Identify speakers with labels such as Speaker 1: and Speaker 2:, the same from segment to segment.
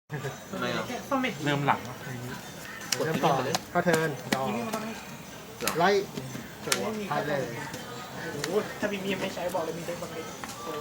Speaker 1: ทำไมอ่ะ
Speaker 2: เริ่มหลัง
Speaker 1: กด
Speaker 3: เริ่ม
Speaker 1: ที่
Speaker 3: ต่อ
Speaker 1: นี่ไปเลย
Speaker 3: ก็เทิร์นดอไล่จั่วพายเลย
Speaker 4: ถ้ามีไม่ใช้บอกเลยมีได้บังเล็ก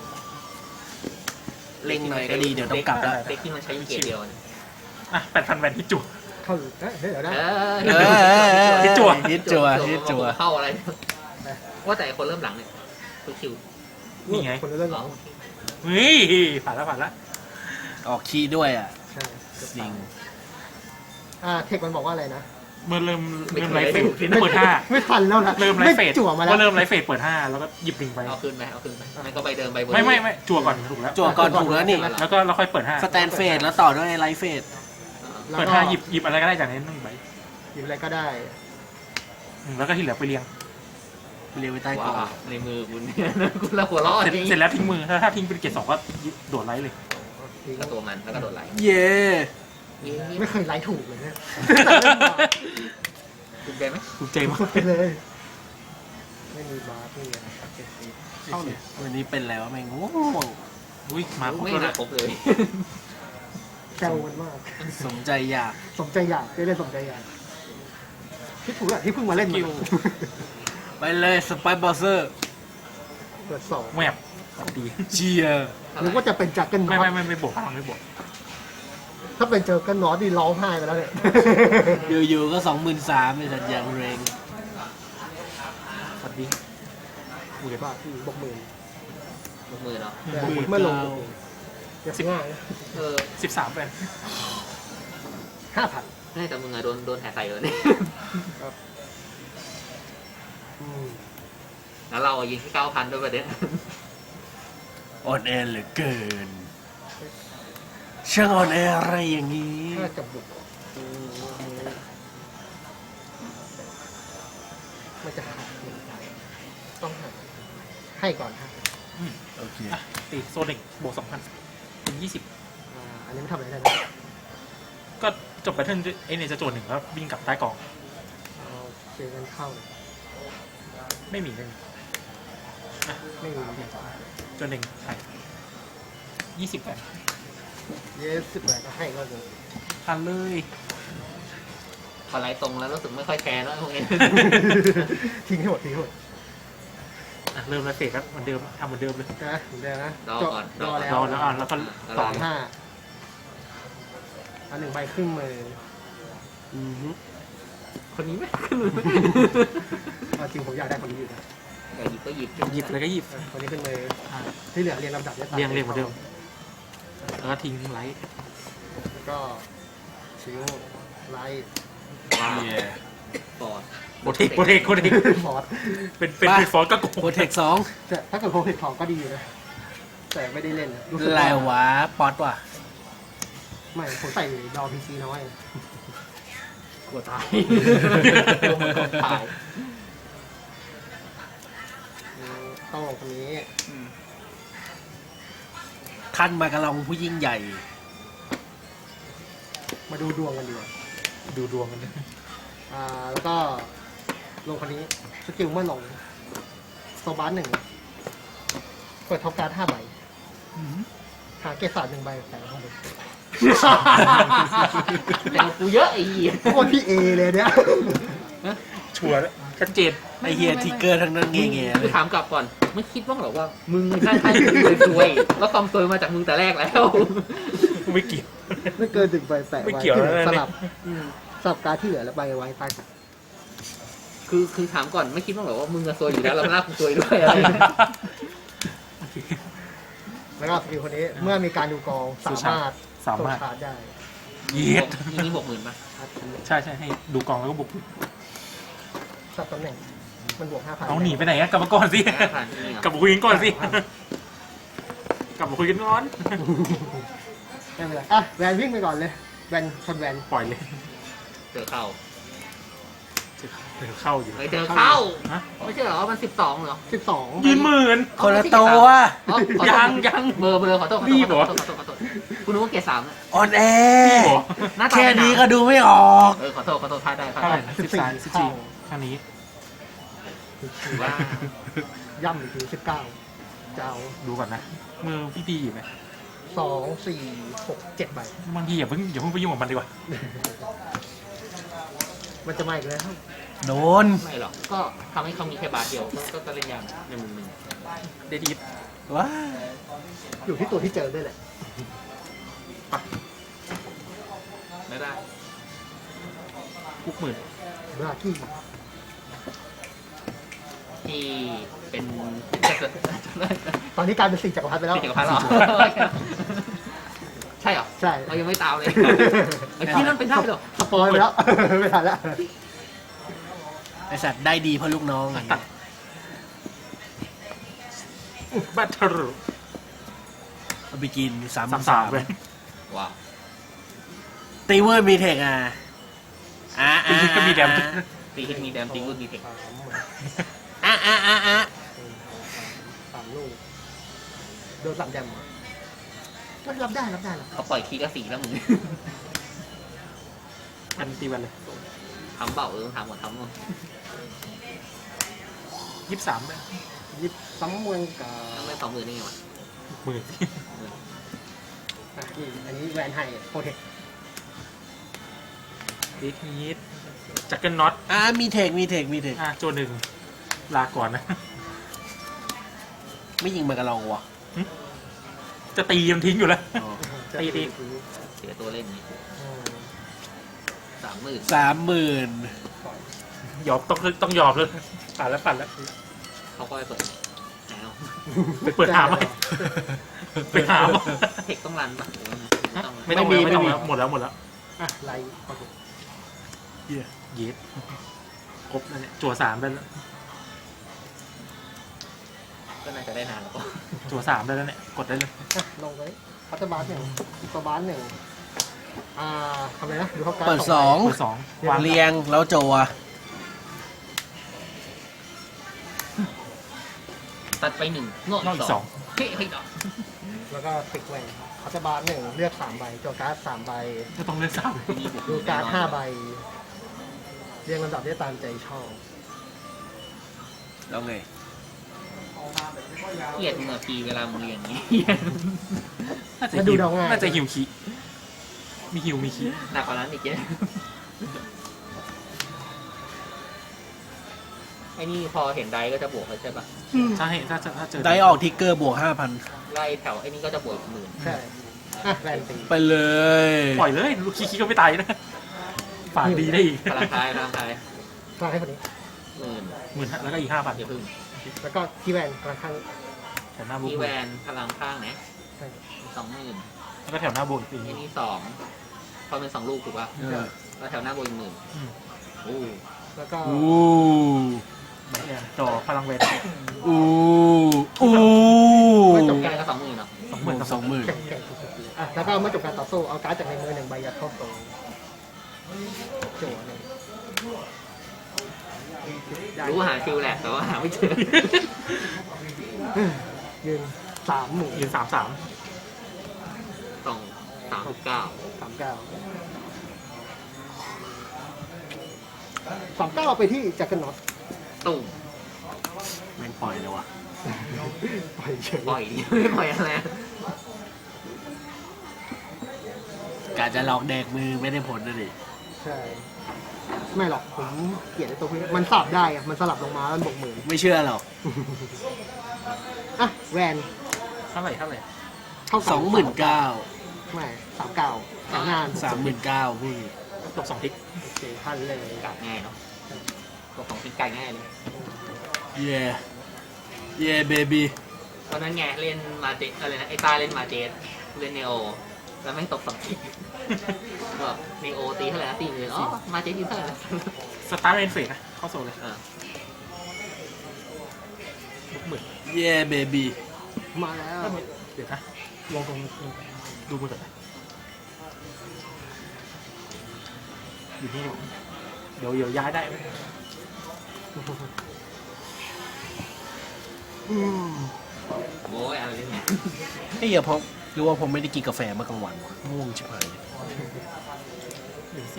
Speaker 5: เล็งหน่อยก็ดีเดี๋ยวต้องกลับแล้ว
Speaker 1: เด็กที่มันใช้เกียร์เดียวเนี่ย
Speaker 2: อ่ะ8,000แวนที่จุ
Speaker 3: เข้าเฮ้ยเดี๋ยวนะ
Speaker 2: ฮิตจั่ว
Speaker 5: ฮิตจั่วฮิตจั่ว
Speaker 1: เข้าอะไรว่าแต่คนเริ่มหลังเนี่ยคือคิว
Speaker 2: นี่ไง
Speaker 3: คนเริ่มหลัง
Speaker 2: เฮ้ยผ่านแล้ว
Speaker 5: ออกคีย์ด้วยอ่ะ
Speaker 3: ใช่
Speaker 5: จริง
Speaker 3: เทคมันบอกว่าอะไรนะ
Speaker 2: เมื่อเริ่มไลฟ์เฟสเปิด5
Speaker 3: ไม่ทันแล้วนะ
Speaker 2: เริ่มไลฟ์เฟส
Speaker 3: จั่วมาแล้ว
Speaker 2: ก็เริ่มไลฟ์เฟสเปิด5แล้วก็หยิบลิงไป
Speaker 1: เอาคืนไปมันก็ใบเดิมใบเบอร์
Speaker 2: ไม่จั่วก่อนถูกแล้ว
Speaker 5: จั่วก่อนถูกแล้วนี่
Speaker 2: แล้วก็เราค่อยเปิด5
Speaker 5: สแตนเฟสแล้วต่อด้วยไลฟ์เฟส
Speaker 2: เปิด5หยิบอะไรก็ได้จากนั้น1ใบ
Speaker 3: หยิบอะไรก็ได้
Speaker 2: แล้วก็ที่เหลือไปเรียง
Speaker 5: เรียงไว้ใต้กล่อง
Speaker 1: ว้าในมือคุณเนี่ยคุณละหัวร้อน
Speaker 2: เสร็จแล้วทิ้งมือถ้าทิ้งเป็นเกรด2ก็โดดไลฟ์เลย
Speaker 3: ทิ้ง
Speaker 1: ก็ตัวมันแล้วก็โดดไหล
Speaker 5: เย่
Speaker 3: ไม่เคยไล่ถูกเลยเนี่ย
Speaker 1: คุณใจไหม
Speaker 2: ถูกใจมาก
Speaker 3: ไปเลย ไม่มีบาร์ไม่มีอะไร
Speaker 2: เข้าเลย
Speaker 5: วันนี้เป็นแล้วแม่งง่วง
Speaker 2: อุ้ยมาครบ
Speaker 1: ไม่
Speaker 2: แล้ว
Speaker 1: มาครบเลย
Speaker 3: แซวมันมาก
Speaker 5: สมใจอยาก
Speaker 3: สมใจอยากได้สมใจอยากที่ถูกอะที่เพิ่งมาเล่น
Speaker 2: คิว
Speaker 5: ไปเลยสไปบอสเซอร์
Speaker 3: เปิดสอง
Speaker 2: แมบดี
Speaker 5: เชียร์
Speaker 3: หรือว่าจะเป็นจักรเกิลน็อต
Speaker 2: ไม่บวกไม่บวก
Speaker 3: ถ้าเป็นเจอกันน็อตนี่ร้องไห้ไปแล้วเนี่ย
Speaker 5: อยู่ๆก็23,000เป็นสัญญาณเรง
Speaker 2: สวัสดีกูเก็บ
Speaker 3: บาทที่บกหมื่น
Speaker 1: ยกมือเนาะ
Speaker 3: เมื่อลงอย่าง่าย
Speaker 2: 13แวน
Speaker 3: 5,000
Speaker 1: แต่มึงอะโดนแหกใส่เลยเนี่ยแล้วเรายิงที่9,000ด้วยประเด็น
Speaker 5: อ่อนแอเหลือเกินช่างอ่อนแออะไรอย่างนี้
Speaker 3: ถ้าจะบุกมันจะหักต้องหักให้ก่อนครับ
Speaker 5: โอเค
Speaker 2: อ่ะตีโซนิกบวก2,000เป็น20
Speaker 3: อันนี้ไม่ทำอะไรได้นะ
Speaker 2: ก็จบแพทเทิร์นไอเนี่ยจะโจทย์1แล้ววิ่งกลับใต้กล่อง
Speaker 3: เอาเจอกันเข้า
Speaker 2: ไม่มี
Speaker 3: ไม่มี
Speaker 2: โจทย์1ใช่20แวน
Speaker 3: เยส10แหวนก็ให้ก็เลย
Speaker 2: พันเลย
Speaker 1: พอไล่ตรงแล้วรู้สึกไม่ค่อยแคร์แล้วพวกนี้
Speaker 3: ทิ้งให้หมดทิ้งให้หมด
Speaker 2: อ่ะเริ่มแล้วเสร็จครับเหมือนเดิมทำเหมือนเดิมเลย
Speaker 3: นะเหมือนเดิมนะ
Speaker 1: รอก่อน
Speaker 3: รอแล้ว
Speaker 2: รอแล้วอ่ะแล้วก็ต่อ
Speaker 3: 5เอา1ใบครึ่งมือ
Speaker 2: คนนี้ไหม
Speaker 3: เอาจริงผมอยากได้คนนี้อยู่นะ
Speaker 1: อยากหยิบก็หยิบ
Speaker 2: หยิบแล้วก็หยิบ
Speaker 3: คนนี้ขึ้นมือ
Speaker 2: อ่ะ
Speaker 3: ที่เหลือเรียงลำดับได้
Speaker 2: เรียงเหมือนเดิมแล้วก็ทิ้งไลท์
Speaker 3: แล้วก็ชิวไลท์
Speaker 5: เย่
Speaker 1: ปอด
Speaker 2: โปรเทค
Speaker 3: ฟอร์ด
Speaker 2: เป็นฟอร์ก็โกง
Speaker 5: โปรเทค2
Speaker 3: แต่ถ้าเกิดโคเทคของก็ดีอยู่นะแต่ไม่ได้เล่นรู้สึก
Speaker 5: ลา
Speaker 3: ว่า
Speaker 5: ยวะป๊อตว่ะ
Speaker 3: ไม่ผมใส่ดอพีซีน้อย
Speaker 1: กลัวตายลงมันตาย
Speaker 3: ต้องลงคนนี้
Speaker 5: ขั้นมากระลองผู้ยิ่งใหญ่
Speaker 3: มาดูดวงกันดีกว่า
Speaker 2: ดูดวงกันเลย
Speaker 3: แล้วก็ลงคนนี้สกิลเมื่อลงโซบาร์1เปิดท็อปการ์ด5ใบหาเกสร1ใบใส่ข้างบน
Speaker 1: แต่กูเยอะไอ้เหี้ย
Speaker 3: โคตรพี่เอเลยเนี่ย
Speaker 2: ชัวร์แล้วชัดเจน
Speaker 5: ไอเฮียทิกเกอร์ทั้งนั้นเงี้ยๆเล
Speaker 1: คือย ถามกลับก่อนไม่คิดบ้างหรอว่ามึงใช่ซวยแล้วความซวยมาจากมึงแต่แรกแล้ว
Speaker 2: ไม่เกี่ยว
Speaker 3: ไม่เกิน1ใบแปะ
Speaker 2: ไม่
Speaker 3: ไว้
Speaker 2: เกี่ยว
Speaker 3: ที่หลือ
Speaker 2: แล้ว
Speaker 3: ส
Speaker 2: เนี่ย
Speaker 3: ลับสลับการ์ดที่เหลือแล้วใบไว้ใต้กัน
Speaker 1: คือถามก่อนไม่คิดบ้างหรอว่ามึงจะซวยอยู่แล้วแล้วลากกูซวยด้วยอะไร
Speaker 3: แล้วก็สกิลคนนี้เมื่อมีการดูกองสามารถ
Speaker 2: สามารถ
Speaker 3: โจชาร์จได้
Speaker 2: เย็ด
Speaker 1: นี่60,000ป่ะ
Speaker 3: ชาร์จทิ้ง
Speaker 2: ใช่ให้ดูกองแล้วก็บุก
Speaker 3: สับตำแหน่งมันบวก 5,000
Speaker 2: เอาหนีไปไหนอะกลับมาก่อนสิ
Speaker 1: 5,000นี่เหรอก
Speaker 2: ลับมาคุยกันก่อนสิกลับมาคุยกันก่อน
Speaker 3: ไม่เป็นไรอ่ะแวนวิ่งไปก่อนเลยแวนชนแวน
Speaker 2: ปล่อยเลย
Speaker 1: เจอเข้า
Speaker 2: เดี๋ยวเข้าอยู่
Speaker 1: ไม่เจอเข้า
Speaker 2: ฮะ
Speaker 1: ไม่ใช่เหรอมัน12เหรอ
Speaker 3: 12
Speaker 2: ยืนหมื่น
Speaker 5: คนละตัว
Speaker 1: อ๋อขอโทษ
Speaker 2: ยัง
Speaker 1: เบอร์ขอโทษ
Speaker 2: รีบเหรอ
Speaker 1: ขอโทษคุณนึกว่าเกรด3นะ
Speaker 5: อ่อนแอ
Speaker 2: พี่บอก
Speaker 1: หน้าตา
Speaker 5: แค่นี้ก็ดูไม่ออก
Speaker 1: ขอโทษพลาดได้
Speaker 2: เท่าไหร่นะ14ข้างนี้
Speaker 1: ถือว่า
Speaker 3: ย่ำอีกที19เจ้า
Speaker 2: ดูก่อนนะมือพี่ดีอยู่ไหม
Speaker 3: 2 4 6 7 ใบบ
Speaker 2: างทีอย่าเพิ่งไปยุ่งกับมันดีกว่า
Speaker 3: มันจะมาอีกแล้ว
Speaker 5: โดน
Speaker 1: ไม่หรอกก็ทำให้เขามีแค่บาทเดียวก็จะเล่นยากในมุมหนึ่ง
Speaker 2: เดดีฟ
Speaker 5: ว้า
Speaker 3: อยู่ที่ตัวที่เจอด้วยแหละ
Speaker 1: ไม่ได้
Speaker 2: คุกหมื่น
Speaker 3: บรากี้
Speaker 1: ที่เป็น
Speaker 3: ตอนนี้กลายเป็น4 จักรพรรดิไปแล้ว
Speaker 1: จักรพรรดิเหรอใช่เหรอ
Speaker 3: ใช่
Speaker 1: เรายังไม่ตามเลยไอ้ที่นั่นเป็นได้เหรอ
Speaker 3: สปอยไปแล้ว ไม่ทันแล้ว
Speaker 5: ไอสัตว์ได้ดีเพราะลูกน้องไง
Speaker 2: บัตเตอร์
Speaker 5: เอาไปกิน
Speaker 2: สาม
Speaker 5: 3-3
Speaker 2: เลย
Speaker 1: ว้าว
Speaker 5: ตีเวอร์มีเทคอ่ะ
Speaker 2: ตีฮิตก็มีแดม
Speaker 1: ตีฮิตมีแดมตีกูดีเทค
Speaker 3: 3 ลูกโดน3 แดมก็รับได้รับ
Speaker 1: เขาปล่อยคีย์ก็สีแล้วมึง
Speaker 2: อันตีวันเลย
Speaker 1: ทำเปล่าทำหมดทำหมด
Speaker 2: 23เลย
Speaker 3: ยิบซ้ำเมืองกับ
Speaker 1: ทำไม่20,000นี่ไงวะ
Speaker 2: หมื่น
Speaker 3: นี่อันนี้แวนไฮโปรเทค
Speaker 2: ดีทีสจักเกิลน็อต
Speaker 5: มีเทค
Speaker 2: โจหนึ่งลาก่อนนะ
Speaker 5: ไม่ยิงมันกระลองวะ
Speaker 2: จะตียังทิ้งอยู่แล้ว
Speaker 5: อ๋อ
Speaker 2: ตี
Speaker 1: เสียตัวเล่นนี่ 30,000
Speaker 5: 30,000
Speaker 2: ยอมต้องยอมเลยปั่นแล้ว
Speaker 1: เขาก็ไปเปิดแล้ว
Speaker 2: ไปเปิดหาไหมไปหาไหม
Speaker 1: เทคต้องรันปะ
Speaker 2: ไม่ต้องแล้วหมดแล้ว
Speaker 3: อ่ะไลท์โอเค
Speaker 5: เหี้ย
Speaker 2: เย็ดครบแล้วเนี่ยจั่ว3ได้แล้ว
Speaker 1: ก็น่าจะได้นานแล้วก็
Speaker 2: จั่ว3ได้แล้วเนี่ยกดได้เลย
Speaker 3: อ่ะลงเลยพัตเตอร์บาร์1ตัวบาร์1ทำอะไรนะดูเขาการ
Speaker 5: เปิด
Speaker 3: ใบ
Speaker 2: เปิด2วาง
Speaker 5: 2 เรียงแล้วโจว
Speaker 1: ตัดไป1นอก
Speaker 2: นอกอี
Speaker 1: อี
Speaker 2: ก
Speaker 1: ก
Speaker 2: 2
Speaker 1: 2เฮ้ยดอก
Speaker 3: แล้วก็ติกแวนพัตเตอร์บาร์1เลือก3 ใบโจการ์ด3 ใบ
Speaker 2: ก็ต้องเลือก3
Speaker 1: ที่นี่บุก
Speaker 3: ดูการ์ด5 ใบ เรียงลำดับได้ตามใจชอบ
Speaker 5: แล้วไง
Speaker 1: เกลียดมึงอะพีเวลามึงเรียนอย่างนี้
Speaker 2: น่าจะหิวคีมีหิวมีคี
Speaker 1: หนักกว่านั้นอีกเยอะไอ้นี่พอเห็นไดก็จะบวกเขาใช่ปะ
Speaker 2: ใช่ถ้าเจอ
Speaker 5: ได้ออกทิกเกอร์บวก
Speaker 1: ไล่แถวไอ้นี่ก็จะบวกอีก10,000
Speaker 3: ใช่อ่ะแวนตี
Speaker 5: 5,000 ไปเลย
Speaker 2: ปล่อยเลยลูกคีก็ไม่ตายนะฝากดีได้อีก
Speaker 1: พลังท้าย
Speaker 3: กลางให้คนนี้
Speaker 1: 10,000
Speaker 2: 10,000แล้วก็อีก 5,000
Speaker 1: อย่าพึ่ง
Speaker 3: แล้วก็ที่แวนกลางข้าง
Speaker 2: แถวหน้าบุก
Speaker 1: ที่แวนพลังข้างนะ
Speaker 3: ใช่
Speaker 1: 20,000
Speaker 2: แล้วก็แถวหน้าบุกอีก
Speaker 1: ไอ้นี่2พอเป็น2ลูกถูกปะ
Speaker 5: เออ
Speaker 1: แล้วแถวหน้าบวกอีก10,000โอ้
Speaker 3: แล้วก็
Speaker 5: อู้
Speaker 2: ไม่เนี่ยจอพลังเวท
Speaker 5: อู้อู้
Speaker 3: เมื่อจบ
Speaker 1: แก
Speaker 3: การ
Speaker 1: ก็20,000เนาะ
Speaker 2: 20,000กับ
Speaker 5: 20,000
Speaker 3: แข่งสุดๆเลยอ่ะแล้วก็เมื่อจบการต่อสู้เอาการ์ดจากในมือ1 ใบยัดเข้าโซ่จั่วเลย
Speaker 1: รู้หาคิวแหละแต่ว่าหาไม่เจอ
Speaker 3: ยืน30,000
Speaker 2: ยืน33
Speaker 1: ต้อง39
Speaker 3: 39ไปที่จักรน็อต
Speaker 1: ตุ่ม
Speaker 5: แม่งปล่อยเลยว่ะ
Speaker 3: ปล่อยเฉย
Speaker 1: ปล่อยดิไม่ปล่อยอะไร
Speaker 5: กาจะหลอกแดกมือไม่ได้ผลนะดิ
Speaker 3: ใช่ ไม่หรอกผมเกลียดไอ้ตัวพวกนี้มันสลับได้อะมันสลับลงมาแล้วบวก10,000
Speaker 5: ไม่เชื่อหรอก
Speaker 3: อ่ะแวน
Speaker 2: เท่าไหร่
Speaker 3: เท่ากับ
Speaker 5: 29,000
Speaker 3: ไม่39แต่งาน
Speaker 5: 39,000พูดดิ
Speaker 2: ตก2ทิก
Speaker 3: โอเคพันเลย
Speaker 1: กัดง่ายเนาะตัวของพิกไก่ง่ายเลย
Speaker 5: เย่เย่เบบี้
Speaker 1: ตอนนั้นไงเล่นมาเจอะไรนะไอ้ตาเล่นมาเจเล่นเนโอแล้วแม่งตก2ทิกแบบเนโอตีเท่าไหร่นะ40,000อ๋อมาเจตีเท่าไหร่นะ
Speaker 2: สตาร์เรนเฟสนะเข้าโซเลยบุก10,000
Speaker 5: เย่เบบี้
Speaker 3: มาแล้ว
Speaker 2: เดี๋ยวนะลงตรงดูมือก่อนนะอยู่นี่เดี๋ยวย้ายได้ไหม
Speaker 1: โอ้ยอะไรเนี่ย
Speaker 5: เฮ้ยเพราะหรือว่าผมไม่ได้กินกาแฟเมื่อกลางวันวะง่วงชิบหาย
Speaker 2: ดูสิ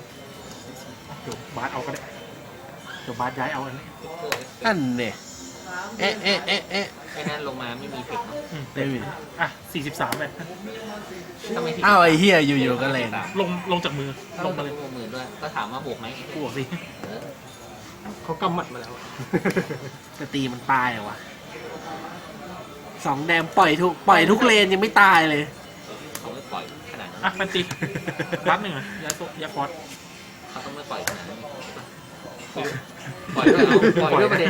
Speaker 2: เดี๋ยวบาสเอาก็ได้เดี๋ยวบาสย้ายเอาอันนี้
Speaker 5: อันเนี่ยเอ๊ะเอ๊ะเอ๊ะเอ๊ะ
Speaker 1: ไอ้นั่นลงมาไม่มีเทคเนาะ
Speaker 5: ไม่มี
Speaker 2: อ่ะ43เลย
Speaker 1: ถ้าไม่ผิด
Speaker 5: อ้าวไอ้เฮียอยู่ๆก็เลน
Speaker 2: ลงจากมือ
Speaker 1: ถ้า
Speaker 2: ล
Speaker 1: ล
Speaker 2: ง
Speaker 1: ง
Speaker 2: มา
Speaker 1: มา
Speaker 2: เลย
Speaker 1: หมื่นด้วยก็ถามว่าบวกไหม
Speaker 2: กูบอกสิ
Speaker 3: เขากำหมัดมาแล้ว
Speaker 5: จะตีมันตายเหรอวะสองแดมปล่อยทุกเลนยังไม่ตายเลย
Speaker 1: เขาไม่ปล่อยขนาดนั้น
Speaker 2: อ่ะมันตีรัดหนึ่งอ่ะยาฟอส
Speaker 1: เขาต้องไม่ปล่อยขนาดนั้นปล่อยด้วยเอาปล่อยด้วยประเด็น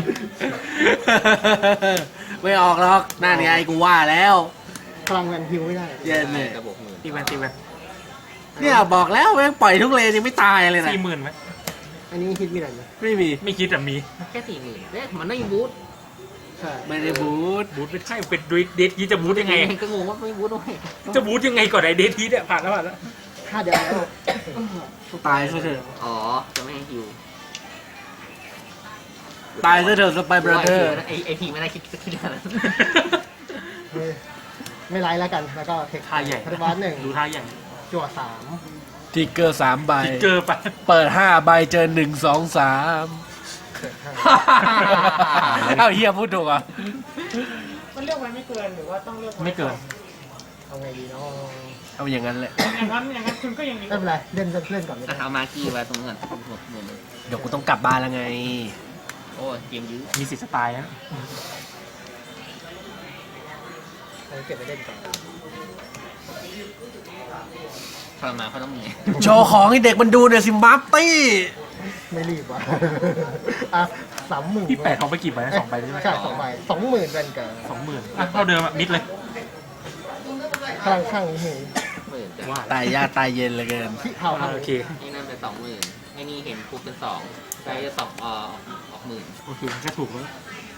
Speaker 5: ไม่ออกหรอกนั่นไงกูว่าแล้ว
Speaker 3: พลังแวนฮิวไม่ได้
Speaker 5: เย็นเลย
Speaker 1: จะบวกหมื่น
Speaker 2: ตีแวน
Speaker 5: เนี่ยบอกแล้วแม่งปล่อยทุกเลนยังไม่ตายเลยนะ
Speaker 2: 40,000ไหม
Speaker 3: อันนี้ฮิตมีอะไรไหม
Speaker 5: ไม่มี
Speaker 2: ไม่คิดแต่มี
Speaker 1: แค่40,000เนี่ยมันไม่มีบูท
Speaker 3: ใช่
Speaker 5: ไม่ได้บูท
Speaker 2: บูทไม่ใช่เป็นเดททีจะบูทยังไง
Speaker 1: ก็งงว่าไม่บูทด้วย
Speaker 2: จะบูทยังไงก่อนไอ้เดททีเนี่ยผ่านแล้ว
Speaker 3: 5 เดือนแล้ว
Speaker 5: ตายซะเถอะ
Speaker 1: อ๋อจะไม่ให้ฮิว
Speaker 5: ตายซะเถอะสไปบราเธอร์
Speaker 1: ไอพีไม่ได้คิดขนาดนั้น
Speaker 3: ไม่ไลฟ์แล้วกัน แล้วก็เทค
Speaker 2: ท่าใหญ่
Speaker 3: คาร์บัสหนึ่ง
Speaker 2: ดูท่าใหญ่
Speaker 3: จั่ว3
Speaker 5: ทิกเกอร์3 ใบ
Speaker 2: ติ๊กเกอร์ไป
Speaker 5: เปิด5 ใบเจอ1 2 3
Speaker 3: เกิด5
Speaker 5: เอ้าเฮียพูดถูกอ่ะ
Speaker 4: มันเลือกไว้ไม่เกินหรือว่าต้องเลือกว้
Speaker 2: ไม่เกิน
Speaker 3: เอาไงดีเนาะ
Speaker 5: เอาอย่างนั้นแหละ
Speaker 4: อย่างนั้นคุณก็ยังมี
Speaker 3: ไม่เป็นไรเล่นก่อนเลย
Speaker 1: เอามากี้ไว้ตรงนั้นหมด
Speaker 5: เดี๋ยวกูต้องกลับบ้านแล้วไง
Speaker 1: โอ้เกมยื้อ
Speaker 2: มีสิทธิ์สไตล์นะ
Speaker 3: เก็บไปเล่นก่อน
Speaker 1: ทรมานเขาต้องมี
Speaker 5: โชว์ของให้เด็กมันดูหน่อยสิมัฟตี้
Speaker 3: ไม่รีบว่ะอ่ะ30,000
Speaker 2: พี่แปดทองไปกี่ใบนะ2 ใบใช่ไหม
Speaker 3: ใช่2 ใบ 20,000เป็นกับ
Speaker 2: 20,000อ่ะเท่าเดิมอ่ะมิดเลย
Speaker 3: พลังข้างนี้มี
Speaker 1: หมื่นจ้ะ
Speaker 2: ว่า
Speaker 5: ตายยากตายเย็นเหลยเกิน
Speaker 3: ที่เผา
Speaker 2: โอเค
Speaker 1: นี่นั่นเป็น20,000ไอ้นี่เห็นปุ๊บเป็น2ได้จะ2ออกหมื่น
Speaker 2: โอเคก็ถูกแล้ว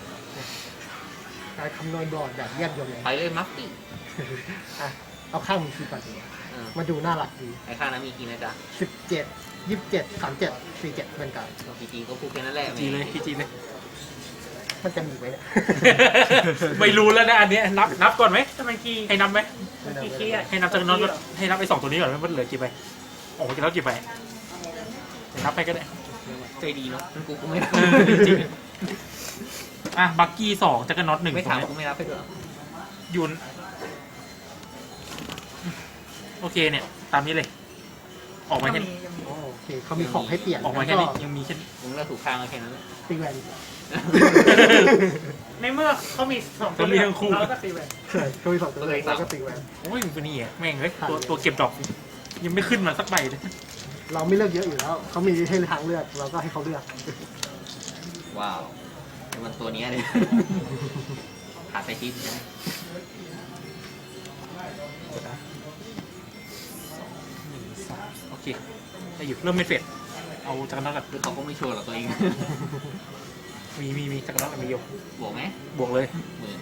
Speaker 3: การคำนวณบอร์ดแบบแยบยลเลย
Speaker 1: ไปเลยมัฟตี้
Speaker 3: อ่ะเอาข้างมีคีย์ก่อนดีกว่ามาดูน่ารักดี
Speaker 1: ไอ้ข้างนั้นมีกี่นะจ๊ะ
Speaker 3: 17 27 37 47เป็นกับ
Speaker 1: พีจีก็พูดแค่นั้นแหละ
Speaker 2: จีเลยพี่จีเลย
Speaker 3: มันจะมีไหมเนี่ย
Speaker 2: ไม่รู้แล้วนะอันเนี้ยนับก่อนไหม
Speaker 4: จะมันกี่
Speaker 2: ให้นับไหม
Speaker 4: กี่คีย์อ่ะ
Speaker 2: ให้นับจากนอนให้นับไอ้2 ตัวนี้ก่อนมันเหลือกี่ใบออกมากี่แล้วกี่ใบเดี๋ยวนับไปก็ได้
Speaker 1: ใจดีเนาะกูไม่รับ
Speaker 2: จริงอ่ะบักกี้2จักรน็อต1
Speaker 1: ไม่ถามกูไม่รับไปเถอะ
Speaker 2: ยุนโอเคเนี่ยตามนี้เลย ออกมาแค่
Speaker 3: โอเคเขามีของให้เปลี่ยน
Speaker 2: ออกมาแค่นี้ยังมีแค่
Speaker 1: มึงเลือกถูกข้างแค่นั้นแหละ
Speaker 3: ตีแวน
Speaker 4: ในเมื่อเขามี2ตัวเราก็ตีแหวน
Speaker 3: ใช่เขามี2ตัวแล้วก็ตีแวน
Speaker 2: โอ้ยมันเป็นนี่อ่ะแม่งเฮ้ยตัวเก็บดอกยังไม่ขึ้นมาสักใบเลย
Speaker 3: เราไม่เลือกเยอะอยู่แล้วเขามีให้ทางเลือกเราก็ให้เขาเลือก
Speaker 1: ว้าวมันตัวนี้เลยขาดไปทิศใช่ไหม
Speaker 2: โอเคได้อยู่เริ่มไม่เฟดเอาจักรน็อตกัน
Speaker 1: หรือเขาก็ไม่ชัวร์หรอกตัวเอง
Speaker 2: มีจักรน็อตมีอยู่
Speaker 1: บวกไหม
Speaker 2: บวกเลย
Speaker 1: หมื่น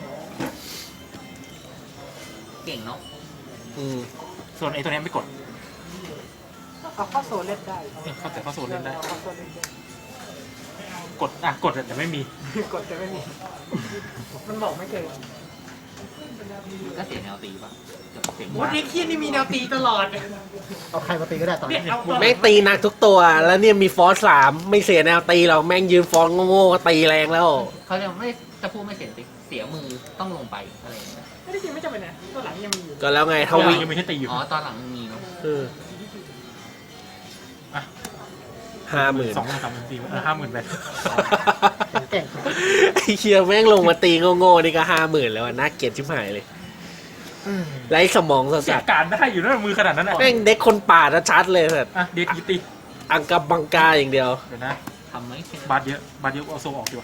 Speaker 1: เก่งเนาะ
Speaker 2: ส่วนไอ้ตัวนี้ไม่กด
Speaker 4: เอาเข้าโซนเล่นได้
Speaker 2: เข้าแต่เข้าโซนเล่นได้
Speaker 4: เข้าโซนเล่นได้
Speaker 2: กดแต่ไม่มี
Speaker 4: กดจะไม่มี มันบอกไม่เกิน
Speaker 1: ก็เสียแนวตีป่ะเสียง
Speaker 4: โอ้ยคีย์นี่มีแนวตีตลอด
Speaker 3: เอาใครมาตีก็ได้ตอน
Speaker 4: เนี่
Speaker 3: นี้
Speaker 4: ยเอา
Speaker 5: แม่งตีหนักทุกตัว แล้วเนี่ยมีฟอส3ไม่เสียแนวตีหรอกแม่งยืนฟอนโง่ๆก็ตีแรงแล้ว
Speaker 1: เขาจะไม่จะพูดไม่เสียตีเสียมือต้องลงไปอะไรอย่างเงี้ย
Speaker 4: ไม่ได้จริงไม่จำเป็นนะตัวหลังยังมีอยู่
Speaker 5: ก็แล้วไงทวี
Speaker 2: ยังมีแค่ตีอยู่
Speaker 1: อ๋อตอนหลังมันมีเนาะ
Speaker 2: อ่ะ
Speaker 5: 50,000
Speaker 2: 2,000 3,000 4,000 50,000ไป
Speaker 3: เก่ง
Speaker 5: ไอ้เคียแม่งลงมาตีโง่ๆนี่ก็50,000แล้วอะน่าเกลียดชิบหายเลยไร้สมองสั
Speaker 2: เสีย
Speaker 5: ส
Speaker 2: การได้อยู่นะมือขนาดนั้นอ่ะ
Speaker 5: แม่งเด็กคนป่าชัดๆเลยสัตว์
Speaker 2: อ่ะเดทกีตี
Speaker 5: อังกับบังกาอย่างเดียว
Speaker 2: เดี๋ยวนะ
Speaker 1: ทำไหมแค่
Speaker 2: บาทเยอะเอาโซออกดีกว่า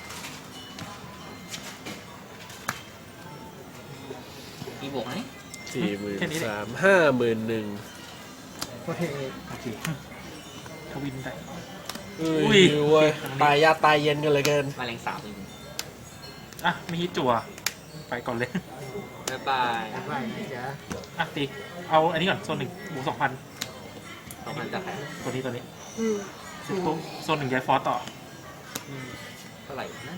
Speaker 1: มีบวกไหม
Speaker 5: 43,000 51,000
Speaker 3: โอเค
Speaker 2: โอเคทวินได้
Speaker 5: อุ้
Speaker 2: อุ้ย
Speaker 5: ยเว้ยตายยากตายเย็นกันเลยเกิน
Speaker 1: มาแรงสาบเลย
Speaker 2: อ่ะไม่ฮิตจั่วไปก่อนเลย
Speaker 1: บ๊ายบาย
Speaker 3: ไม่จ้ะ
Speaker 2: อ่ะตีเอาอันนี้ก่อนโซน1บวก 2,000
Speaker 1: ต้องมันจะแพ้
Speaker 2: ตัวนี้ปุ๊บโซน1ย้ายฟอสต่อ
Speaker 1: เท่าไหร่นั่น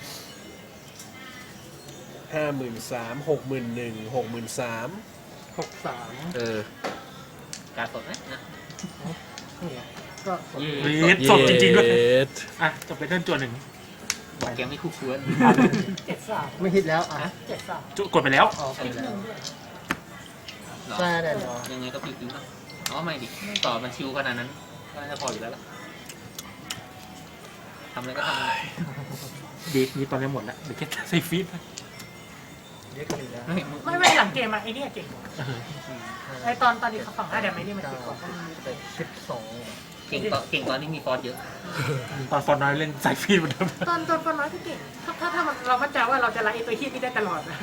Speaker 5: 53,000 61,000 63,000
Speaker 3: 63
Speaker 1: การสดไหมนะ
Speaker 3: นี่ไงก็
Speaker 2: เรดสดจริงๆด้วย
Speaker 5: เย็ด
Speaker 2: อ่ะจบไปเทิร์นจั่ว1
Speaker 1: แกไม่คู่ควร
Speaker 4: 73
Speaker 3: ไม่ฮิตแล้วอ่ะ
Speaker 4: 73
Speaker 2: กดไปแล้ว
Speaker 3: ออกไปแล้ว
Speaker 1: หรอ
Speaker 3: แซ่แน่นอน
Speaker 1: ยังไงก็พิวๆนะอ๋อไม่ดิต่อมันชิวขนาดนั้นก็น่าจะพออยู่แล้วล่ะทำอะไรก็ทำเลย
Speaker 2: ดีตอนนี้หมดแล้วเดี๋ยวแค่ใส่ฟีด
Speaker 3: เรียกกันอีกแล้ว
Speaker 1: เฮ้ยมึง
Speaker 4: ไม่หลังเกมอะไอ้เนี่ยเก่งกว่าไอ้ตอนที่เขาฝั่ง5เดี๋ยวไม่ได้มันเก่งกว่า
Speaker 3: 12
Speaker 1: เก่งตอนนี้มีฟอร์ดเยอะ
Speaker 2: ตอนฟอนน้อยเล่นใส่ฟีดเหมือนเดิม
Speaker 4: ตอนฟอนน้อยก็เก่งถ้าเรามั่นใจว่าเราจะไล่ไอ้ตัวฮี้นี่ได้ตลอดนะ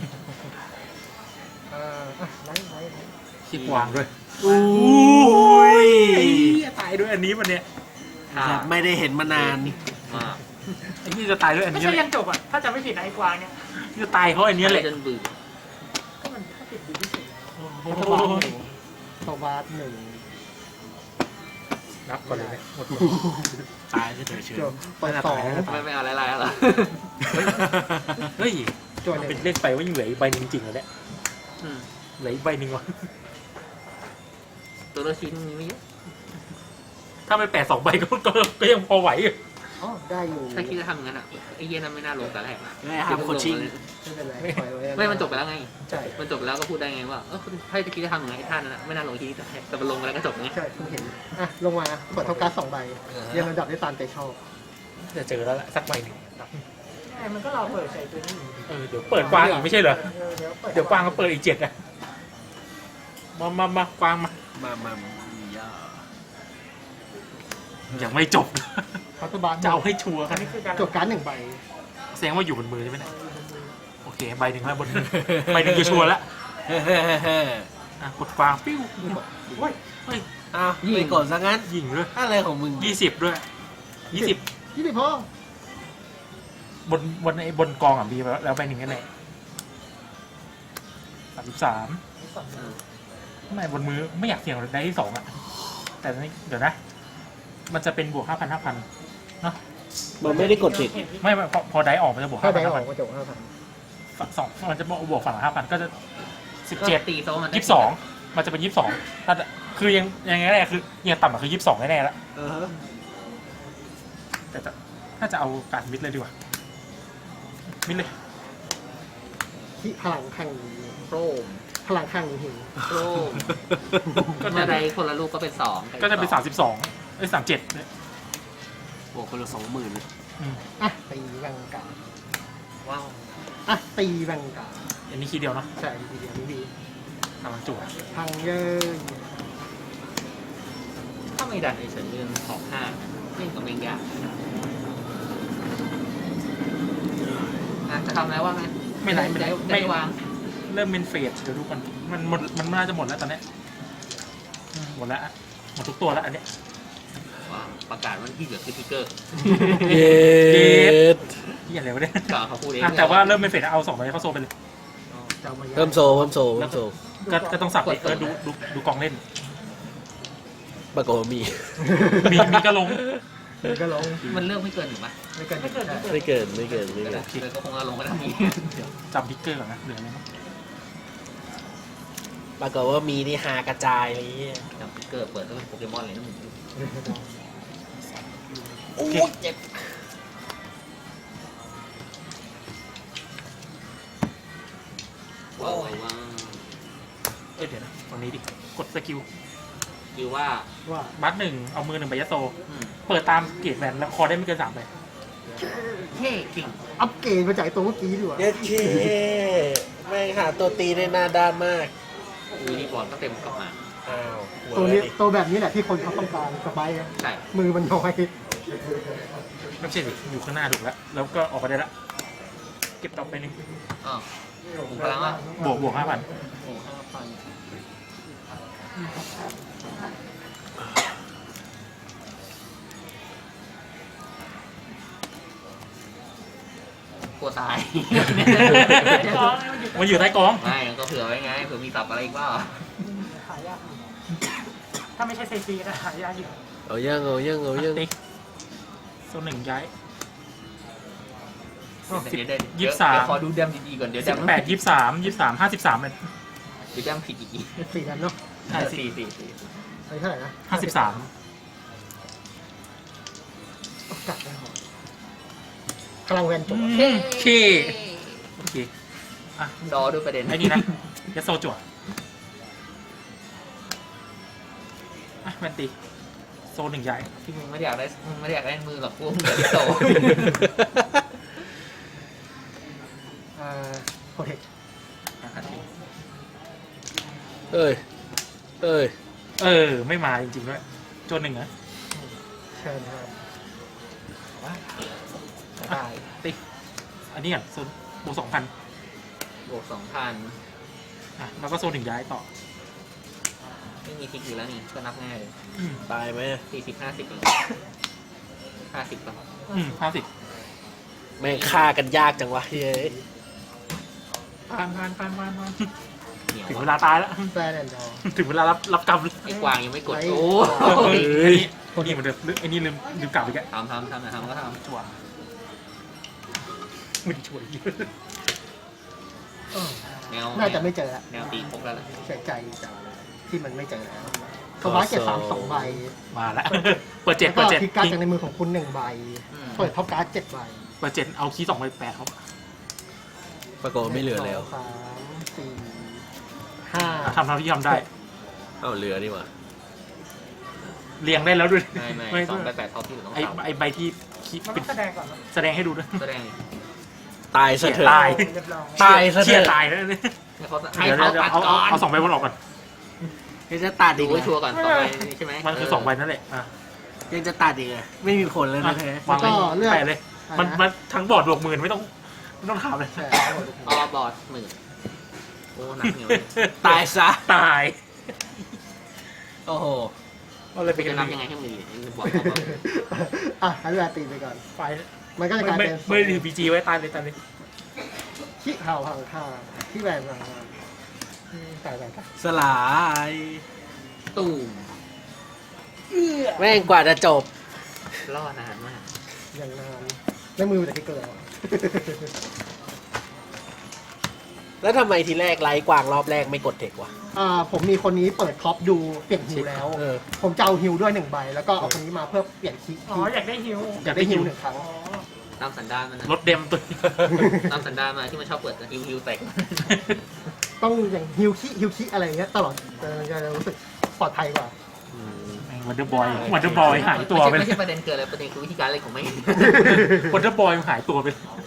Speaker 3: ไล่
Speaker 2: ขี้กวางด้วยอุ้ยตายด้วยอันนี้มันเนี่ย
Speaker 5: ไม่ได้เห็นมานาน
Speaker 1: มาก
Speaker 2: ไอ้นี่จะตายด้วยอัน
Speaker 4: ไม่
Speaker 2: นี้
Speaker 4: ใช่ยังจบอ่ะถ้าจะไม่ผิดนะไอ้กวางเนี่ย
Speaker 2: นี่จะตายเพราะอันนี้แหละ
Speaker 1: จนเบื่อ
Speaker 4: ก็มันถ้าผิดดีที่สุด
Speaker 3: โซบาร์หนึ่ง
Speaker 2: นับก่อนเลยหมด
Speaker 5: ตายเฉย
Speaker 3: จบเปิดสอง
Speaker 1: ไม่เอาอะไรๆหรอ
Speaker 2: เฮ้ย
Speaker 3: จว
Speaker 2: มัน
Speaker 3: ห
Speaker 2: เป็
Speaker 3: นึ่
Speaker 2: น
Speaker 3: ง
Speaker 2: เล่นไปว่ายังเหลืออีกใบหนึงจริงเหรอเนี่ย
Speaker 1: อืม
Speaker 2: เหลืออีกใบหนึ่งวะ
Speaker 1: ตัวละชิ้นมีไม่เยอะ
Speaker 2: ถ้าไม่แปะ2 ใบก็ยังพอไหวอยู่
Speaker 3: อ๋อได้อยู่
Speaker 1: ถ้าคิดจะทำงั้นอ่ะไอ้เหี้ยนั้นไม่น่าลงแต่แรก
Speaker 5: ๆไม่ห้ามโคชชิ่ง
Speaker 3: ไม่เป็นไรปล่อยไว้
Speaker 1: ไม่มันจบไปแล้วไง
Speaker 3: ใช่
Speaker 1: มันจบไปแล้วก็พูดได้ไงว่าถ้าจะคิดจะทำอย่างไรไอ้ท่านนั้นไม่น่าลงที่แต่มันลงไปแล้วก็จบไง
Speaker 3: ใช่เพิ่งเห็นอ่ะลงมาเปิดเท่าการ์ด2 ใบเรียงลำดับได้ตามใจชอบ
Speaker 2: จะเจอแล้วแหละสักใบหนึ่ง
Speaker 4: ไอ้มันก็รอเปิดใส่ตัวนี้อยู่
Speaker 2: เดี๋ยวเปิดกวางอีกไม่ใช่เหรอ
Speaker 4: เดี๋ยว
Speaker 2: เดี๋ยวกวางก็เปิดอีก7อ่ะมากวางมา
Speaker 5: มาย่า
Speaker 2: ยังไม่จบ
Speaker 3: เคาน์เตอร์บาร์
Speaker 2: จะเอาให้ชัวร์
Speaker 4: อั
Speaker 2: กัน น
Speaker 4: นี้คือการ
Speaker 3: จบการ์ด1 ใบ
Speaker 2: แสดงว่าอยู่บนมือใช่ไหมเนี่ยโอเคใบหนึ่งแล้วบนมือใบหนึ่งคือชัวร์แล้ว
Speaker 5: เฮ้
Speaker 2: อ่ะกดกวางปิ้ว
Speaker 4: โอ้ย
Speaker 2: เฮ้ย
Speaker 5: อ้าวไปกดซะงั้น
Speaker 2: ยิงด้วย
Speaker 5: อะไรของมึง
Speaker 2: 20ด้วย20
Speaker 3: ยี่สิบพอบ
Speaker 2: นกองอ่ะมีแล้วใบหนึ่งกันไหน33ไม่บนมือไม่อยากเสี่ยงได้ที่2อ่ะแต่นี่เดี๋ยวนะ มันจะเป็นบวก 5,000 เนาะ
Speaker 5: มันไม่ได้กดผิด
Speaker 2: ไม่พอได้ออกมันจะบวก
Speaker 3: ถ้าได้ออก
Speaker 2: 5,000
Speaker 3: ก็จบ5,000
Speaker 2: ฝั่ง2มันจะบวกฝั่งละ 5,000 ก็จะ 17
Speaker 1: ตีโต๊ะมัน
Speaker 2: 22มันจะเป็น22ถ้าคือยังไงแน่คือยังต่ำกว่าคือ22แน่ๆแล้วแต่ถ้าจะเอาการมิดเลยดีกว่ามิดเลย
Speaker 3: ที่พลังข้างนี้
Speaker 1: โปรม
Speaker 3: พลังข้างนี้หิว
Speaker 1: โปรมก็จะได้คนละลูกก็เป็น2
Speaker 2: ก็จะเป็น32เอ้ย37เนี่ย
Speaker 5: บวกคนละ20,000
Speaker 3: อ่ะตีแวงการ์ด
Speaker 1: ว้าว
Speaker 3: อ่ะตีแวงการ์ด
Speaker 2: อันนี้คีย์เดียวเนาะ
Speaker 3: ใช่ทีเดียวนี่ดี
Speaker 2: กำลังจั่ว
Speaker 3: พังเยอะ
Speaker 1: ถ้าไม่ดันไอ้เฉินเรื่องของ5เล่นกับเมงยากจะทำอะไรว่าไง
Speaker 2: ไม่ไรไม่ไร
Speaker 1: ไม่วาง
Speaker 2: เริ่มเป็นเฟสเดี๋ยวดูก่อนมันน่าจะหมดแล้วตอนเนี้ยหมดแล้วหมดทุกตัวแล้วอันเนี้ย
Speaker 1: ประกาศวันที่เหลือคือทิกเกอร์
Speaker 5: เย็ด
Speaker 2: ที่อะไรวะเนี่ย
Speaker 1: ก็เขาพูดเอง
Speaker 2: แต่ว่าเริ่มเป็นเฟสเอา2ใบเข้าโซไปเลย
Speaker 3: จะเอามา
Speaker 5: เพิ่มโซ
Speaker 2: ก็ต้องสับเลยดูกองเล่น
Speaker 5: ปรากฏว่ามี
Speaker 2: มีก็ลง
Speaker 3: ก็ลง
Speaker 1: มันเลือกไม่เกินหรือปะ
Speaker 3: ไม่เกิน
Speaker 4: ไม่เกิด
Speaker 5: ไม่เกิน
Speaker 1: เลยก็คงเอาลงมาทำนี้
Speaker 2: จำพิกเกอร์ก่อนนะเหลืออะไรบ้าง
Speaker 5: ปรากฏว่ามีนี่หากระจายอะไรเงี้ย
Speaker 1: จับทิกเกอร์เปิดแล้วเป็นโปเกมอนเลยนะมึง
Speaker 5: โอ้ยเจ็บ
Speaker 1: ว้าว
Speaker 2: เอ้ยเดี๋ยวนะตรงนี้ดิกดสกิล
Speaker 1: คือว่า
Speaker 3: ว่า
Speaker 2: บัตหนึ่งเอามือ1ใบยัดโซ เปิดตามเกรดแวนแล้วคอได้ไม่เกิน3ใบ
Speaker 1: เท่จริง
Speaker 3: อัปเกรดมาจากตัวเมื่อกี้ดีกว่า
Speaker 5: เย็ดเคแม่งหาตัวตีได้หน้าด้านมาก
Speaker 1: วินิบอลก็เต็มกลับมา
Speaker 5: อ้าวหั
Speaker 3: ตัว
Speaker 5: เล
Speaker 3: นี้
Speaker 5: ยดิ
Speaker 3: ตัวแบบนี้แหละที่คนเขาต้องการสบายอะ
Speaker 1: ใช่
Speaker 3: มือมันน้อย
Speaker 2: ไม่ใช่ดิอยู่ข้างหน้าถูกแล้วแล้วก็ออกไปได้ละเก็บต่อไปหนึ่ง
Speaker 1: อ๋อผมพลังว่า
Speaker 2: บวก 5,000
Speaker 1: โอ้5,000กลัวตาย
Speaker 2: มันอยู่ใต้กอง
Speaker 1: ไม่ก็เผื่อไว้ไงเผื่อมีสับอะไรอีกบ้าง
Speaker 4: หายากถ้าไม่ใช่ไซซีก็หายากอยู่
Speaker 5: เอายัง
Speaker 2: ติ๊กโซนหนึ่งย้าย
Speaker 1: เดี๋ยวขอดูแดมดีๆก่อนเดี๋ยวแดม
Speaker 2: 18 23 53เลย
Speaker 1: เดี๋ยวแดมผิดอีก
Speaker 3: 4 กันเนาะ
Speaker 2: ใช่
Speaker 1: สี่
Speaker 3: อันนี้เท่าไหร่นะ
Speaker 2: 53
Speaker 3: กัดได้หรอพลังแวนจุด
Speaker 2: เคโอเคอ่ะ
Speaker 1: ดอดูประเด็น
Speaker 2: ไอ้นี่นะยัดโซจั่วอ่ะแวนตีโซหนึ่งใหญ่
Speaker 1: ที่มึงไม่ได้อยากได้มึงไม่ได้อยากได้มือหรอกพวกมึงเดี๋ยวโต
Speaker 3: โปรเทค
Speaker 5: เอ้ย
Speaker 2: ไม่มาจริงๆด้วยโจนหนึ่งนะ
Speaker 3: เชิญครับได้
Speaker 2: ติ๊กอันนี้ก่อนโซนบวก2,000
Speaker 1: บวก2,000
Speaker 2: อ่ะแล้วก็โซนถึงย้ายต่อ
Speaker 1: ไม่มีทิกอยู่แล้วนี่ก็นับง่ายเลย
Speaker 5: ตายไหม
Speaker 1: 40 50เอง50ป่ะ
Speaker 2: 50
Speaker 5: แม่งฆ่ากันยากจังวะเฮ้ย
Speaker 2: ผ่าน
Speaker 1: เหนียว
Speaker 2: ถึงเว
Speaker 1: อะ
Speaker 2: ลาตายแล้ว
Speaker 3: แฟนแอนด์ดอ
Speaker 2: ถึงเวลารับกรรม
Speaker 1: ไอ้กวางยังไม่กด
Speaker 3: ไอ้
Speaker 1: โอ้
Speaker 2: เฮ้ยนี่เหมือนเดิมไอ้นี่ลืมกลับไปแก
Speaker 1: ทำก็ทำ
Speaker 2: จั่วไม่ได้ช่วย
Speaker 1: แนว
Speaker 3: น่าจะไม่เจอละ
Speaker 1: แนวตีพกแล้วล่ะ
Speaker 3: เสียใจจังที่มันไม่เจอแล้วโซบาเก็บ3 2 ใบ
Speaker 2: มาแล้วเปิด
Speaker 3: แล้วก็
Speaker 2: 7
Speaker 3: ทิกการ์ดจากในมือของคุณ1 ใบ เปิดท็อปการ์ด7 ใบ
Speaker 2: เปิด 7เอาคีย์2ไปแปะเขา
Speaker 5: ปรากฏว่าไม่เหลือแล้ว
Speaker 3: 1 2 3 4 5
Speaker 2: ทำเท่าที่ทำได้
Speaker 5: เอ้าเหลือนี่หว่า
Speaker 2: เรียงได้แล้วด้วย
Speaker 1: ไม่2ไป8ท็อปที่เหลือต้อง
Speaker 2: ไอ้
Speaker 1: เต่า
Speaker 2: ไอ้ใบที่คีย์
Speaker 4: มัน
Speaker 2: เป็
Speaker 4: ต้อน งแสดงก่อนนะ
Speaker 2: แสดงให้ดูด้วย
Speaker 1: แสดง
Speaker 5: ตายซะเถอะ
Speaker 2: ตาย
Speaker 4: เรียบร้อย
Speaker 5: ตายซะเถ
Speaker 2: เชี่ย
Speaker 5: อะ
Speaker 2: ตายแล้วเนี่ย
Speaker 1: ให้
Speaker 2: เดี๋ยว
Speaker 1: เขาตัดก่อน
Speaker 2: เอา2ใบบนออกก่อน
Speaker 5: ยังจะตัด
Speaker 1: ดู
Speaker 5: อีก
Speaker 1: ไว้
Speaker 5: เหร
Speaker 1: ชัว
Speaker 5: อ
Speaker 1: ร์ก่อนต่อไปใช่ไหม
Speaker 2: มันคือ2ใบนั่นแหละอ่ะ
Speaker 5: ยังจะตัดอีกเหรอไม่มีผลแล้วนะแท้
Speaker 2: วางเลย
Speaker 3: แล้วก็เลือก
Speaker 2: แปะเลย มันทั้งบอร์ดบวก10,000ไม่ต้องถามเลย
Speaker 3: ใช่
Speaker 1: อ๋อบอร์ด10,000โอ้หนักเหนียวเลย
Speaker 5: ตายซะ
Speaker 2: ตาย
Speaker 5: โอ้โห
Speaker 2: ก็เลยไป
Speaker 1: ไป
Speaker 2: กั
Speaker 1: จะ
Speaker 2: น
Speaker 1: นั
Speaker 2: นั
Speaker 1: บบ ยั
Speaker 2: ยัง ง
Speaker 1: ไง
Speaker 2: ไง
Speaker 1: ให้มือบอก
Speaker 3: ให้เวลาตีไปก่อน
Speaker 2: ไฟ
Speaker 3: มันก็จะกลาย
Speaker 2: ไม่
Speaker 3: เป็น
Speaker 2: ไม่ได้ถือพีจีไว้ตายเลย
Speaker 3: ขี้เห่าพังค่าที่แวนมาตาย
Speaker 5: สลาย
Speaker 1: ตูม
Speaker 5: แม่งกว่าจะจบ
Speaker 1: ล่อนานมาก
Speaker 3: อย่างนานในมือแต่ที่เกิด
Speaker 5: แล้วทำไมทีแรกไลฟ์กวางรอบแรกไม่กดเทควะ
Speaker 3: ผมมีคนนี้เปิดท็อปดูเปลี่ยนฮิวแล้ว
Speaker 5: เออ
Speaker 3: ผมจะเอาฮิวด้วย1 ใบ แล้วก็เอาคนนี้มาเพื่อเปลี่ยนคี
Speaker 4: อ๋ออยากได้ฮิว
Speaker 3: อยากได้ฮิว1 ครั้ง
Speaker 4: อ๋อ
Speaker 1: ตามสันดานมันนะ
Speaker 2: รถเดมตัว
Speaker 1: ตามสันดานมาที่มันชอบเปิดฮิวแตก
Speaker 3: ต้องอย่างฮิวคิอะไรอย่างเงี้ยตลอดจะรู้สึกปลอดภัยกว่า
Speaker 2: วันเดอร์บอยหายตัวไป
Speaker 1: ไม่ใช่ประเด็นเกิดอะไรประเด็นคือวิธีการเล่นของไม่
Speaker 2: วันเดอร์บอยหายตัวไป